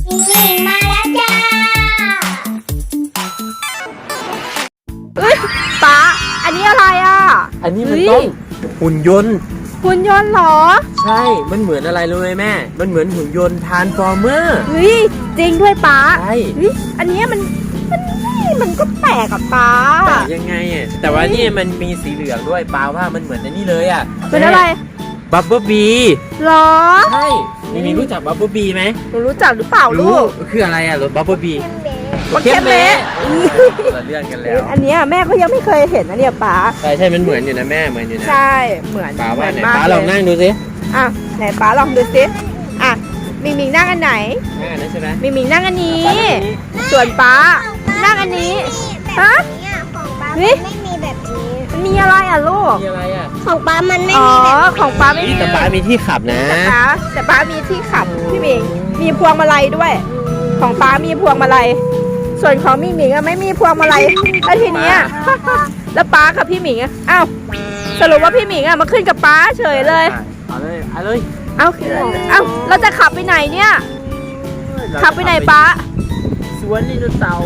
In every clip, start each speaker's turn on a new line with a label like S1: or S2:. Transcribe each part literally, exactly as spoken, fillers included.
S1: มิงมิงมาแล้วจ้า
S2: เอ้ยป๊าอันนี้อะไรอ่ะ
S3: อันนี้มันต้องหุ่นยนต์
S2: หุ่นยนต์เหรอ
S3: ใช่มันเหมือนอะไรรู้ไหมแม่มันเหมือนหุ่นยนต์ทรานส์ฟอร์เมอร์
S2: เฮ้ยจริงด้วยป๊า
S3: ใช่
S2: เฮ้ยอันนี้มันมันมันก็แปลกอะป๊า
S3: แปลกยังไงอ่ะแต่ว่านี่มันมีสีเหลืองด้วยป๊าว่ามันเหมือนอันนี้เลยอ่ะ
S2: เป็นอะไร
S3: บับเบิ้ลบี
S2: หรอ
S3: ใช่มีมีรู้จักบับเบิ้ลบีไหม
S2: หนูรู้จักหรือเปล่าลูก
S3: คืออะไรอ่ะรถบับเบิ้ลบี
S2: มันเข้มเละ
S3: เรื่องกันแล้ว
S2: อันนี้แม่ก็ยังไม่เคยเห็นนะเนี่ยป๊า
S3: ใช่ใช่มันเหมือนอยู่นะแม่เหมือนอยู่นะ
S2: ใช่เหมือน
S3: ป๊าว่าไหนป๊าลองนั่งดูสิ
S2: อ่ะไหนป๊าลองดูสิอ่ะมิงมิงนั่งอันไหน
S3: นั่งอันนั้นใช่ไหม
S2: มิงมิงนั่งอันนี้ส่วนป๊านั่งอันนี้ฮะ
S1: ของป๊าไม่มีแบบนี้
S2: มันมีอะไรอ่ะลูก
S3: มีอะไรอ่ะ
S1: ของป๊ามันไม่
S2: มีแบบนี้ของป๊าไม่มี
S3: แต่ป๊ามีที่ขับนะ
S2: แต่ป๊าแต่ป๊ามีที่ขับพี่มิงมีพวงมาลัยด้วยของป๊ามีพวงมาลัยส่วนของมิงมิงอะไม่มีพวงมาลัยแล้วทีนี้แล้วป๊ากับพี่มิงอะอ้าวสรุปว่าพี่มิงอะมาขึ้นกับป๊าเฉยเลย
S3: เอาเลยเอาเลย
S2: เอาเอาเราจะขับไปไหนเนี่ยขับไปไหนป๊า
S3: สวนไดโนเสาร์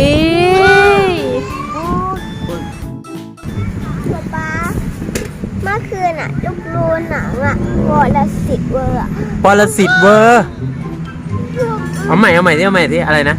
S1: ป๊าเมื่อคืนอะลูกดูหนังอะวอลสิตเวอร์อะ
S3: วอลสิตเวอร์เอาใหม่เอาใหม่ที่เอาใหม่ที่อะไรนะ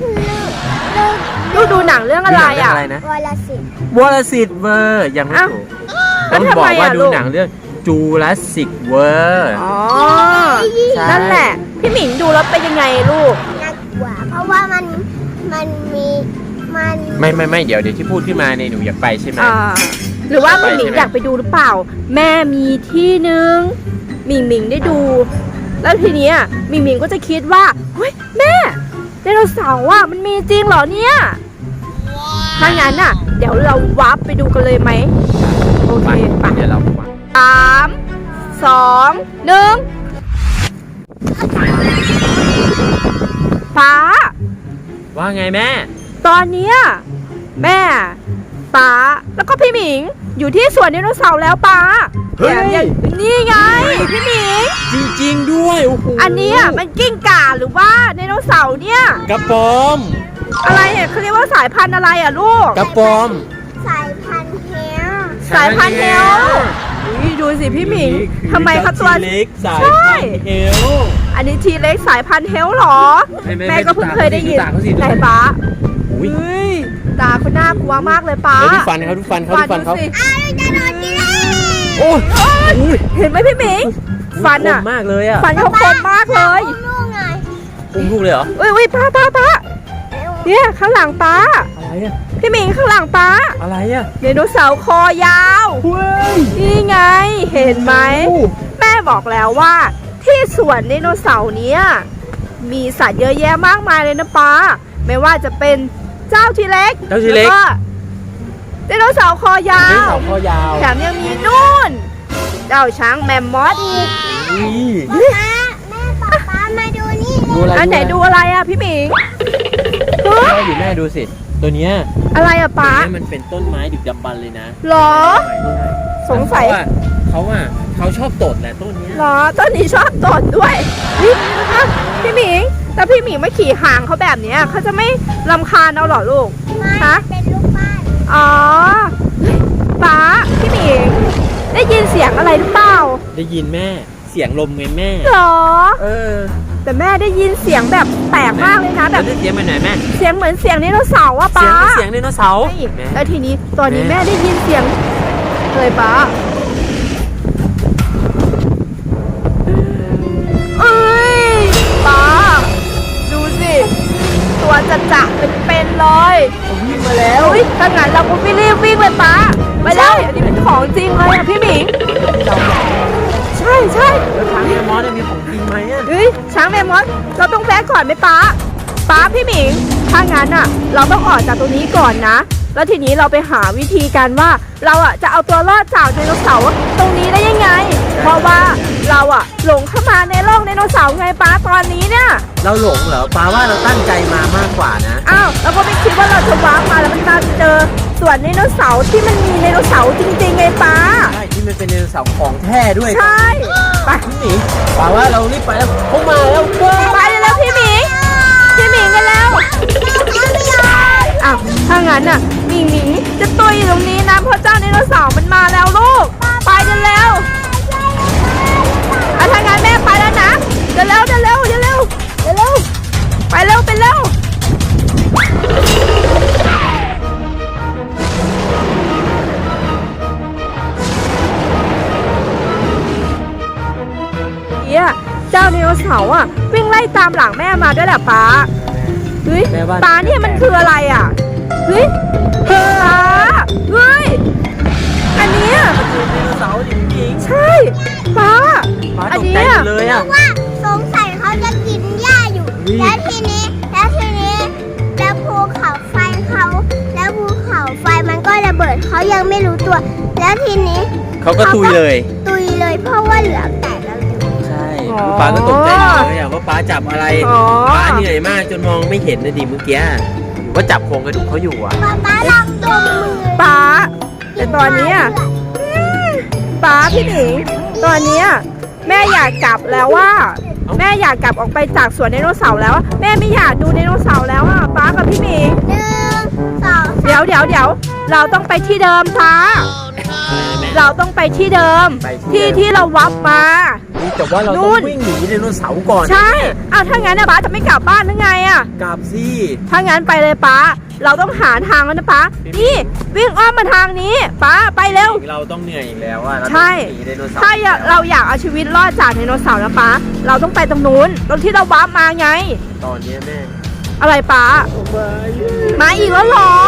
S2: ลูกดูหนังเรื่องอะไรอ่ะ
S1: วอลสิต
S3: วอลสิตเวอร์ยังไม่ถูกต้องบอกว่าดูหนังเรื่องจูราสสิกเวอร์
S2: อ๋อนั่นแหละพี่หมิงดูแล้วเป็นยังไงลูก
S1: น่ากลัวเพราะว่ามันมันมีมัน
S3: ไม่ไม่ไม่เดี๋ยวเดี๋ยวที่พูดขึ้นมาในหนูอยากไปใช่ไหม
S2: หรือว่าพี่หมิงอยากไปดูหรือเปล่าแม่มีที่นึงหมิงหมิงได้ดูแล้วทีนี้หมิงหมิงก็จะคิดว่าเฮ้ยแม่ไดโนเสาร์อ่ะมันมีจริงเหรอเนี่ยถ้างั้นอ่ะเดี๋ยวเราวับไปดูกันเลยไหมโอเคไป
S3: เดี๋ยวเรา
S2: สามสองหนึ่งป๊า
S3: ว่าไงแม่
S2: ตอนนี้แม่ป๊าแล้วก็พี่หมิงอยู่ที่สวนไดโนเสาร์แล้วป๊า
S3: เฮ้ย
S2: นี่ไงพี่หมิง
S3: จริงๆด้วยโอ้โห
S2: อันนี้มันกิ้งก่าหรือว่าไดโนเสาร์เนี่ย
S3: กระปอม
S2: อะไรเนี่ยเขาเรียกว่าสายพันธุ์อะไรอ่ะลูก
S3: กระปอม
S1: สายพันธุ์เฮล
S2: สายพันธุ์เฮลดูสิพี่หมิงทำไมเขาตัว
S3: เล็กสายพันธุ์เฮล
S2: อันนี้ทีเล็กสายพันธุ์เฮลหรอแม่ก็เพิ่งเคยได้ยินไหนป๊าอุ้ยตาเขาน่ากลัวมากเลยป๊า
S3: ดูฟันเขาดูฟันเขาดูฟันเขา
S1: อ้าวจะโดนกิน
S3: โอ้
S2: ยเห็นไหมพี่หมิงฟันอ่ะ
S3: มากเลยอ่ะ
S2: ฟันเขาคมมากเลย
S1: ลูกไง
S3: อุ้มลูกเลยเหรอ
S2: อุ้ยอุ้ยป้าป้าป้าเนี่ยข้างหลังป้า
S3: อะไรอ่ะ
S2: พี่หมิงข้างหลังป้า
S3: อะไรอ่ะ
S2: ไดโนเสาร์คอยาวนี่ไงเห็นไหมแม่บอกแล้วว่าที่สวนไดโนเสาร์เนี้ยมีสัตว์เยอะแยะมากมายเลยนะป้าไม่ว่าจะเป็นเจ้าทีเล็ก
S3: เจ้าทีเล็ก
S2: ไดโนเสาร์คอยาว
S3: ไดโนเสาร์คอยาว
S2: แถมยังมีนู่นเจ้าช้างแมมมอสอีก
S1: แม่แม่ป๊าป๊ามาดูนี่
S2: อันไหนดูอะไรอ่ะพี่หมิง
S3: แม่อยู่แม่ดูสิตัวเนี้ย
S2: อะไรอ่ะป๊า
S3: มันเป็นต้นไม้ดึกดำบรรพ์เลยนะ
S2: หรอสงสัย
S3: เขาอ่ะเขาชอบตดแหละต้นนี้
S2: หรอต้นนี้ชอบตดด้วยพี่หมิงแต่พี่หมิงไม่ขี่ห่างเขาแบบนี้เขาจะไม่รำคาญเอาหรอลูก
S1: ฮะเป็นลูกบ้าน
S2: อ๋อป๊าพี่หมิงได้ยินเสียงอะไรหรือเปล่า
S3: ได้ยินแม่เสียงลมไงแม่
S2: หรอ
S3: เออ
S2: แต่แม่ได้ยินเสียงแบบแปลกมากเลยนะแบบ
S3: เสียงเป็นไหนแม่
S2: เสียงเหมือนเสียงไดโนเสาร์ว่ะป๊า
S3: เสียงไดโนเสาร์
S2: แล้วทีนี้ตอนนี้แม่ได้ยินเสียงเลยป๊าเอ้ยป๊าดูสิตัวจะจะเป็นๆเลย
S3: วิ่งมาแล้ว
S2: ถ้างั้นเราก็ไม่รีบวิ่งเลยป๊าไปแล้วอันนี้เป็นของจริงเลยอ่ะพี่หมิงใช่ใช่
S3: แล้วช้างแมมมอสมีของจริงไหมอ่ะ
S2: เฮ้ยช้างแมมมอสเราต้องแวะก่อนไหมป๊าป๊าพี่หมิงถ้างั้นอ่ะเราต้องออกจากตรงนี้ก่อนนะแล้วทีนี้เราไปหาวิธีกันว่าเราอ่ะจะเอาตัวรอดจากไดโนเสาร์ตรงนี้ได้ยังไงเพราะว่าเราอ่ะหลงเข้ามาในโลกไดโนเสาร์ไงป๊าตอนนี้เนี่ย
S3: เราหลงเหรอป๊าว่าเราตั้งใจมามากกว่านะ
S2: อ้าวเราก็ไม่คิดว่าเราจะว้ามาแล้วมันจะเจอส่วนไดโนเสาร์ที่มันมีไดโนเสาร์จริงๆไงป๊า
S3: ใช่ที่มันเป็นไดโนเสาร์ของแท้ด้วย
S2: ใช่
S3: ไปพี่หมีป๊าว่าเรารีบไปแล้วเขามาแล้ว
S2: ไปเลยแล้วพี่หมีดินเร็วเดินเร็วเดินเร็วเดินเร็วไปเร็วไปเร็วเนี่ยเจ้าไดโนเสาร์อ่ะวิ่งไล่ตามหลังแม่มาด้วยแหละป้าเฮ้ยป้าเนี่ยมันคืออะไรอ่ะเฮ้ยป้าเฮ้ยอันเนี้ย
S3: ไดโนเสาร์จริง
S2: ใช่ป้า
S3: ๆป้า
S2: อั
S3: ต
S2: น
S3: ก
S2: เนี้
S3: ใจ
S2: ย
S3: หมดเลยอ่ะ
S1: ว่าสงสัยเขาจะกินหญ้าอยู่ แล้วทีนี้แล้วทีนี้แล้วภูเขาไฟเขาแล้วภูเขาไฟมันก็ระเบิดเขายังไม่รู้ตัว แล้วทีนี้
S3: เขาก็ตุยเลย
S1: ตุยเลยเพราะว่าเหลือแตกแล้วอยู่
S3: ใช่ป้าก็ตกใจหมดเลยอ่ะว่าป้าจับอะไร
S2: อ๋อ
S3: ป้าเหนื่อยมากจนมองไม่เห็นนะดิเมื่อกี้ว่าจับโครงกระดูกเขาอยู่อ่ะ
S1: ป๊าป๊าลองดมมือ
S2: ป้าแต่ตอนเนี้ยป้าพี่หนิงตอนเนี้ยแม่อยากกลับแล้วว่า แม่อยากกลับออกไปจากสวนไดโนเสาร์แล้วอะแม่ไม่อยากดูไดโนเสาร์แล้วอ่ะป้ากับพี่หมิง
S1: หนึ่งสอง
S2: เดี๋ยวเดี๋ยวเดี๋ยวเราต้องไปที่เดิมป้าเราต้องไปที่เดิม
S3: ไปที่
S2: ที่
S3: เดิม
S2: ที่เราวับมา
S3: แต่ว่าเรา
S2: นู่
S3: ต้อง
S2: น
S3: วิ่งหนีไดโนเสาร์ก่อน
S2: ใช่อ้าวถ้างั้นนะป้าจะไม่กลับบ้านหรือไงอ่ะ
S3: กลับสิ
S2: ถ้างั้นไปเลยป้า เราต้องหาทางแล้วนะป้า นี่วิ่งอ้อมมาทางนี้ป้าไปเร็ว
S3: เราต้องเหนื่อยอีกแล้วอ่ะเรา
S2: ใช่
S3: ต้องหนีไดโนเสาร์
S2: ถ้าอยากเราอยากเอาชีวิตรอดจากไดโนเสาร์นะป้า เราต้องไปตรงนู้น ตรงที่เราวาร์ปมาไง
S3: ตอนนี้แม่
S2: อะไรป้า มาอีกแล้วเหรอ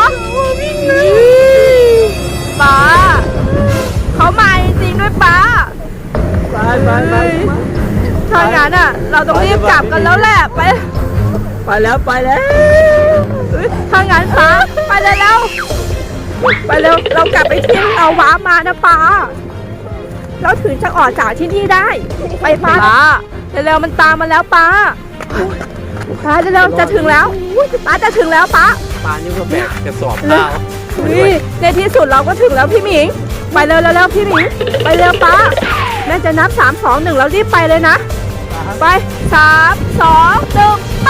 S2: ป้าเขามาจริงๆด้วยป้า
S3: ไปไปไป
S2: ถ้างั้นอ่ะ เราต้องรีบกลับกันแล้วแหละ ไป
S3: ไปแล้วไปแล้ว
S2: เอ้ยถ้างั้นป้าไปเลยแล้วไปเร็วเรากลับไปที่เราว้ามานะป้าเราถึงจะออกจากที่นี่ได้ ไปป้าเร็วๆมันตามมาแล้วป้าป้าเร็วๆจะถึงแล้วป้าจะถึงแล้วป้า
S3: ปานี่ก็แบกกระสอบข้าว
S2: นี่ในที่สุดเราก็ถึงแล้วพี่หมิง ไปเร็วๆเร็วๆพี่หมิงไปเร็วป้าแม่จะนับสามสองหนึ่งแล้วรีบไปเลยนะไปสามสองหนึ่งไป